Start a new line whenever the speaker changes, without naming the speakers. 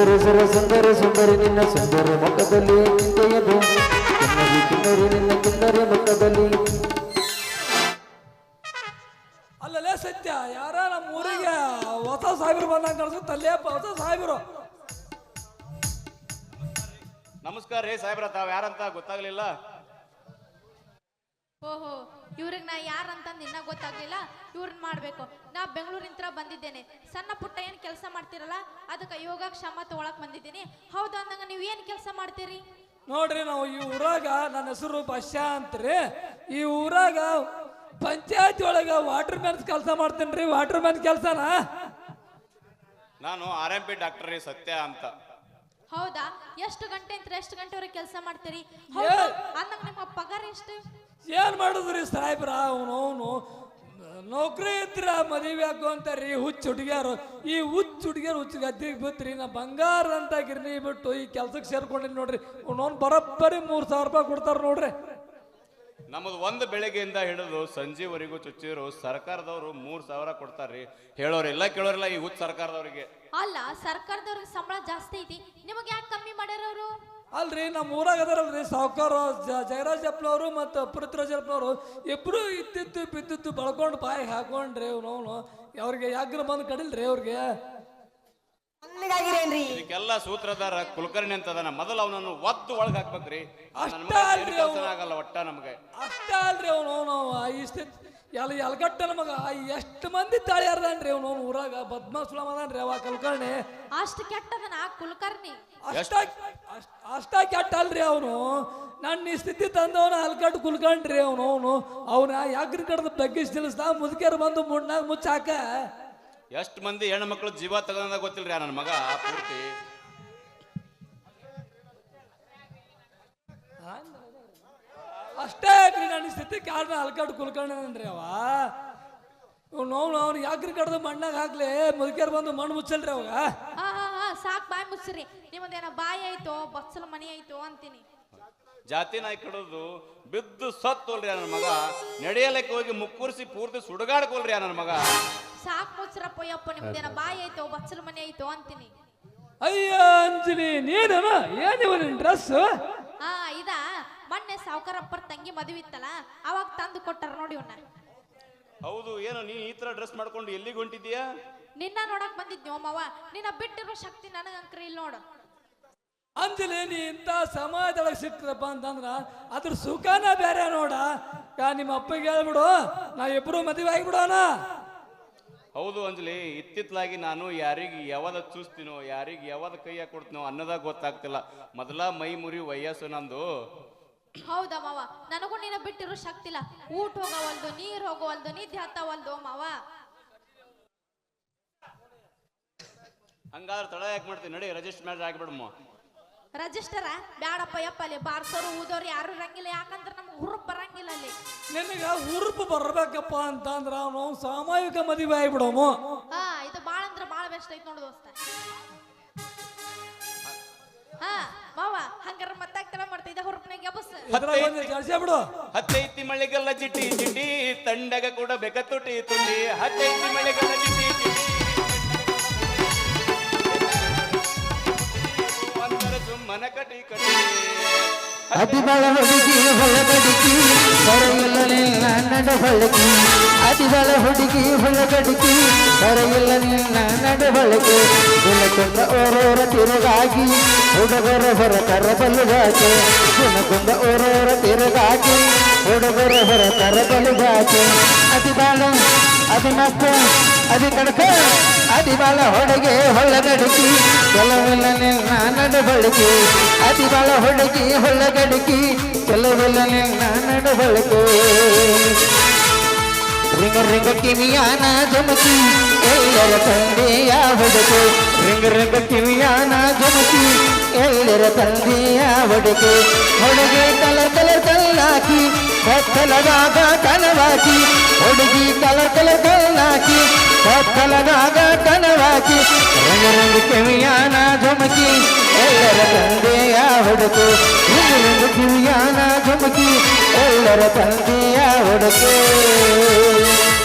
ಸುಂದರಿ ಸುರ ಸುಂದರಿ ಸುಂದರಿ ನಿನ್ನ ಸುಂದರ ಮುಖದಲ್ಲಿ ಚಿಂತೆಯದು ಕಿನ್ನರಿ ಕಿನ್ನರಿ ನಿನ್ನ ಕಿನ್ನರಿ ಮುಖದಲ್ಲಿ.
ಅಲ್ಲಲ್ಲೇ ಸತ್ಯ ಯಾರ ನಮ್ಮ ಊರಿಗೆ ಹೊಸ ಸಾಹೇಬರು ಬಂದಂಗ ಕಾಣಿಸುತ್ತಲ್ಲೇಪ್ಪ ಹೊಸ ಸಾಹೇಬರು.
ನಮಸ್ಕಾರ ರೀ ಸಾಹೇಬ್ರ, ತಾವ್ ಯಾರಂತ ಗೊತ್ತಾಗ್ಲಿಲ್ಲ.
ಓಹೋ, ಇವ್ರಿಗೆ ನಾ ಯಾರಂತ ನಿನ್ನ ಗೊತ್ತಾಗ್ಲಿಲ್ಲ. ಇವ್ರನ್ನ ಮಾಡ್ಬೇಕು. ನಾ ಬೆಂಗಳೂರಿಂತ್ರ ಬಂದಿದ್ದೇನೆ. ಸಣ್ಣ ಪುಟ್ಟ ಏನ್ ಕೆಲಸ ಮಾಡ್ತಿರಲ್ಲ ಅದಕ್ಕೆ ಯೋಗಕ್ಷೇಮ ತಗೊಳಕ್ ಬಂದಿದ್ದೀನಿ. ಹೌದು ಅಂದಂಗ ನೀವ್ ಏನ್ ಕೆಲಸ ಮಾಡ್ತೀರಿ?
ನೋಡ್ರಿ, ನಾವು ಈ ಊರಾಗ ನನ್ನ ಹೆಸರು ಬಶ್ಯಾ ಅಂತ್ರಿ. ಈ ಊರಾಗ ಪಂಚಾಯತಿ ಒಳಗ ವಾಟರ್ ಮ್ಯಾನ್ ಕೆಲಸ ಮಾಡ್ತೇನ್ರಿ. ವಾಟರ್ ಮ್ಯಾನ್ ಕೆಲಸನ
ನಾನು RMP ಡಾಕ್ಟರ್ ರೀ ಸತ್ಯ ಅಂತ.
ಹೌದಾ? ಎಷ್ಟು ಗಂಟೆ ಅಂತ ಎಷ್ಟು ಗಂಟೆವರೆಗೆ ಕೆಲಸ ಮಾಡ್ತೀರಿ? ಹೌದು ಅಂದಂಗ ನಿಮ್ಮ ಪಗಾರ ಎಷ್ಟು?
ಏನ್ ಮಾಡುದ್ರಿ ಸಾಹೇಬ್ರ, ಅವನು ನೌಕರಿ ಇದ್ರ ಮದುವೆ ಆಗು ಅಂತಾರ್ರಿ ಹುಚ್ಚ ಹುಡುಗಿಯಾರು. ಈ ಹುಚ್ಚ ಹುಡುಗಿಯರು ಹುಚ್ಚ ಗದ್ದಿಗೆ ಬಿತ್ರಿ. ನಾ ಬಂಗಾರ ಅಂತ ಗಿರ್ನಿ ಬಿಟ್ಟು ಈ ಕೆಲ್ಸಕ್ಕೆ ಸೇರ್ಕೊಂಡಿನಿ ನೋಡ್ರಿ. ಅವ್ನು ಬರೋಬ್ಬರಿ 3,000 ರೂಪಾಯಿ ಕೊಡ್ತಾರ ನೋಡ್ರಿ.
ನಮ್ಮದು ಒಂದು ಬೆಳಗ್ಗೆಯಿಂದ ಹಿಡಿದು ಸಂಜೆವರೆಗೂ ಚುಚ್ಚಿರು ಸರ್ಕಾರದವರು 3,000 ಕೊಡ್ತಾರ್ರಿ. ಹೇಳೋರಿಲ್ಲ ಕೇಳೋರಿಲ್ಲ ಈ ಹುಚ್ಚ ಸರ್ಕಾರದವ್ರಿಗೆ.
ಅಲ್ಲ, ಸರ್ಕಾರದವ್ರಿಗೆ ಸಂಬಳ ಜಾಸ್ತಿ ಐತಿ, ನಿಮಗೆ ಯಾಕೆ ಕಮ್ಮಿ ಮಾಡ್ಯಾರ ಅವರು?
ಅಲ್ರಿ, ನಮ್ಮ ಊರಾಗ ಅದಾರಲ್ರಿ ಸಾವುಕಾರ ಜಯರಾಜ್ ಅಪ್ಪನವರು ಮತ್ತು ಪೃಥ್ವಿರಾಜ್ ಅಪ್ಪನವರು ಇಬ್ರು ಇತ್ತಿತ್ತು ಬಿದ್ದಿತ್ತು ಬಳ್ಕೊಂಡು ಬಾಯಿ ಹಾಕೊಂಡ್ರಿ. ಅವನು ಅವ್ರಿಗೆ ಯಾಗ್ರ ಬಂದು ಕಡಿಲ್ರಿ ಅವ್ರಿಗೆ.
ಇದಕ್ಕೆಲ್ಲ ಸೂತ್ರಧಾರ ಕುಲಕರ್ಣಿ ಅಂತ ಅದಾನ. ಮೊದಲು ಅವನನ್ನು ಒದ್ದು ಒಳಗೆ ಹಾಕ್ಬೇಕ್ರಿ. ಆಗಲ್ಲ ಒಟ್ಟ ನಮ್ಗೆ.
ಅಷ್ಟ ಅಲ್ರಿ ಅವನು ಇಷ್ಟ ಎಲ್ಗಟ್ಟ ನಮಗ ಎಷ್ಟು ಮಂದಿ ತಾಳ್ಯಾರದನ್ರಿ ಅವನು ಊರಾಗ ಬದ್ಮಾಸುಳ ಅದನ್ರಿ ಅವ ಕುಲಕರ್ಣಿ.
ಅಷ್ಟು ಕೆಟ್ಟದನ ಕುಲಕರ್ಣಿ?
ಅಷ್ಟ ಕೆಟ್ಟ ಅಲ್ರಿ ಅವನು. ನನ್ನ ಈ ಸ್ಥಿತಿ ತಂದವನ ಹಲ್ಕಟ್ಟು ಕುಲ್ಕಂಡ್ರಿ ಅವನ ಯಾಗ್ರ ಕಡ್ದ ಬಗ್ಗಿಸ್ ನಿಲ್ಲಿಸ್ದ ಮುದುಕಿಯರು ಬಂದು ಮುಣ್ಣಾಗ ಮುಚ್ಚಾಕ.
ಎಷ್ಟು ಮಂದಿ ಹೆಣ್ಣು ಮಕ್ಕಳು ಜೀವ ತಗೊಂಡ ಗೊತ್ತಿಲ್ರಿ ನನ್ನ ಮಗ ಪೂರ್ತಿ.
ಅಷ್ಟೇ ನನ್ನ ಸ್ಥಿತಿ ಕಾರಣ ಹಲ್ಕಟ್ಟು ಕುಲ್ಕಂಡ್ರಿ ಅವ. ಅವ್ನು ಯಾಕ್ರಿ ಕಡ್ದು ಮಣ್ಣಾಗ ಹಾಕ್ಲಿ ಮುದುಕಿಯರು ಬಂದು ಮಣ್ಣು ಮುಚ್ಚಲ್ರಿ ಅವಾಗ.
ಸಾಕ್ ಬಾಯಿ ಮುಚ್ಚ್ರಿ. ನಿಮ್ಮದೇನ ಬಾಯಿ ಆಯ್ತೋ ಬಚ್ಚಲ ಮನಿ ಆಯ್ತೋ ಅಂತೀನಿ.
ಜಾತಿ ನಾಯಿ ಕಡೋದು ಬಿದ್ದು ಸತ್ತೋಲ್ರಿ ನನ್ನ ಮಗ. ನಡೆಯಲಕ್ಕೆ ಹೋಗಿ ಮುಕ್ಕುರ್ಸಿ ಪೂರ್ತಿ ಸುಡುಗಾಡ್ಕೊಲ್ರಿ ನನ್ನ ಮಗ.
ಸಾಕ್ ಮುಚ್ಚ್ರಪ್ಪ ಯಪ್ಪ, ನಿಮ್ದೇನ ಬಾಯಿ ಆಯ್ತೋ ಬಚ್ಚಲ ಮನಿ ಆಯ್ತೋ ಅಂತೀನಿ.
ಅಯ್ಯ ಅಂಜಲಿ, ನೀನ ಏನಿವ ನಿನ್ ಡ್ರೆಸ್?
ಇದ ಮೊನ್ನೆ ಸಾವುಕಾರಪ್ಪರ ತಂಗಿ ಮದುವೆ ಇತ್ತಲ್ಲ ಅವಾಗ ತಂದು ಕೊಟ್ಟಾರ ನೋಡಿ ಇವನ್ನ.
ಹೌದು, ಏನು ನೀ ಈ ತರ ಡ್ರೆಸ್ ಮಾಡ್ಕೊಂಡು ಎಲ್ಲಿಗೆ ಹೊಂಟಿದ್ಯಾ?
ನಿನ್ನ ನೋಡಕ್ ಬಂದಿದ್ನೋ ಮಾವ. ನಿನ್ನ ಬಿಟ್ಟಿರೋ ಶಕ್ತಿ ನನಗಂಕ್ರಿ ಇಲ್ಲಿ ನೋಡು.
ಅಂಜಲಿ, ನೀ ಇಂಥ ಸಮಾಜದೊಳಗೆ ಸಿಕ್ತಪ್ಪ ಅಂತಂದ್ರ ಅದ್ರ ಸುಖನ ಬೇರೆ ನೋಡ. ನಿಮ್ಮ ಅಪ್ಪಗೆ ಹೇಳ್ಬಿಡು, ನಾ ಇಬ್ರು ಮದುವೆ ಆಗಿಬಿಡೋಣ.
ಹೌದು ಅಂಜಲಿ, ಇತ್ತಿತ್ತಲಾಗಿ ನಾನು ಯಾರಿಗೆ ಯಾವಾಗ ಚೂಸ್ತೀನೋ ಯಾರಿಗೆ ಯಾವಾಗ ಕೈಯಾಗ ಕೊಡ್ತೀನೋ ಅನ್ನೋದಾಗ ಗೊತ್ತಾಗ್ತಿಲ್ಲ. ಮೊದಲ ಮೈ ಮುರಿ ವಯಸ್ಸು ನಂದು.
ಹೌದಾ ಮಾವ, ನನಗೂ ನಿನ್ನ ಬಿಟ್ಟಿರೋ ಶಕ್ತಿ ಇಲ್ಲ. ಊಟ ಹೋಗವಲ್ದು, ನೀರ್ ಹೋಗವಲ್ದು, ನಿದ್ದೆ ಹತ್ತವಲ್ದು ಮಾವ.
ಹಂಗಾದ್ರೆ ತಡ ಯಾಕೆ ಮಾಡ್ತೀನಿ? ನಡಿ ರಿಜಿಸ್ಟರ್ ಮ್ಯಾರೇಜ್ ಆಗಿಬಿಡಮ್ಮ.
ರಿಜಿಸ್ಟರ ಬ್ಯಾಡಪ್ಪ ಯಪ್ಪ, ಅಲ್ಲಿ ಬಾರ್ಸೋರು ಊದೋರು ಯಾರು ಇರಂಗಿಲ್ಲ. ಯಾಕಂದ್ರೆ ನಮ್ಗೆ ಹುರುಪ್ ಬರಂಗಿಲ್ಲ ಅಲ್ಲಿ.
ನಿನಗ ಹುರುಪು ಬರ್ಬೇಕಪ್ಪ ಅಂತಂದ್ರ ಅವನು ಸಾಮೂಹಿಕ ಮದುವೆ ಆಗಿಬಿಡೋನು.
ಇದು ಬಾಳ ಅಂದ್ರೆ ಬಾಳ ಬೆಸ್ಟ್ ಐತ್ ನೋಡು ದೋಸ್ತ. ಮಾವ ಹಂಗಾರ ಮತ್ತಾಗ್ತಾರ ಮಾಡ್ತಿದ್ದ ಹುರುಪ್ನಾಗ ಬಸ್
ಬಿಡು.
ಹತ್ತೈತಿ ಮಳೆಗೆಲ್ಲ ಚಿಟಿ ಚಿಟಿ ತಂಡಗ ಕೂಡ ಬೇಕ ತುಟಿ ತುಟಿ. ಹತ್ತೈತಿ ಮಳೆಗೆಲ್ಲ ಚಿಟಿ ಚಿಟಿ ಸುಮ್ಮನ ಕಟಿ ಕಟಿ.
ಅತಿಬಳ ಹುಡುಗಿ ಹೊಳಗಡಿಕಿ ಬರೆಯಿಲ್ಲ ನಿನ್ನ ನಡಬಳಕೆ. ಅತಿಬಳ ಹುಡುಗಿ ಹೊಳಗಡಿಕಿ ಬರೆಯಿಲ್ಲ ನಿನ್ನ ನಡಬಳಕೆ. ಗುಣಕೊಂಡ ಓರೋರ ತಿರುಗಾಗಿ ಹುಡುಗರ ಹೊರ ಕರಬಲುಗಾಕೆ. ಗುಣಕೊಂಡ ಓರೋರ ತಿರುಗಾಗಿ ಹುಡುಗರ ಹೊರ ಕರಬಲುಗಾಕೆ. ಅತಿಬಾಳ ಅತಿ ಮಸ್ತ ಅತಿ ಕಡಕ ಅತಿಬಾಳ ಹುಡುಗಿ ಹೊಳಗಡಿಕಿ ಕೆಲವಿಲ್ಲ ನಿನ್ನ ನಡಬಳಕೆ. ಅತಿಬಾಳ ಹುಡುಗಿ ಹೊಳಗಡಿಕಿ ಕೆಲವಿಲ್ಲ ನಿನ್ನ ನಡಬಳಕೆ. ರಿಂಗ ರಿಂಗ ಕಿವಿಯಾನ ಜಮಕಿ ಎಲ್ಲರ ತಂದೆಯ ಹುಡುಕು. ರಿಂಗ ರಿಂಗ ಕಿವಿಯಾನ ಜಮಕಿ ಎಲ್ಲರ ತಂದೆಯ ಹುಡುಕು. ಹುಡುಗಿ ಕಲರ್ ಕಲರ್ ಕಲ್ಲಾಕಿ ಕತ್ತಲದಾಗ ಕನವಾಕಿ. ಹುಡುಗಿ ಕಲರ್ ಕಲರ್ ಕಲ್ಲಾಕಿ ಕತ್ತಲದಾಗ ಕನವಾಕಿ. ರಿಂಗ ರಿಂಗ ಕಿವಿಯಾನ ಜಮಕಿ ಎಲ್ಲರ ತಂದೆಯ ಹುಡುಕು. ರಿಂಗ ರಿಂಗ ಕಿವಿಯಾನ ಜಮಕಿ ಎಲ್ಲರ ತಂದೆಯ ಹುಡುಕು.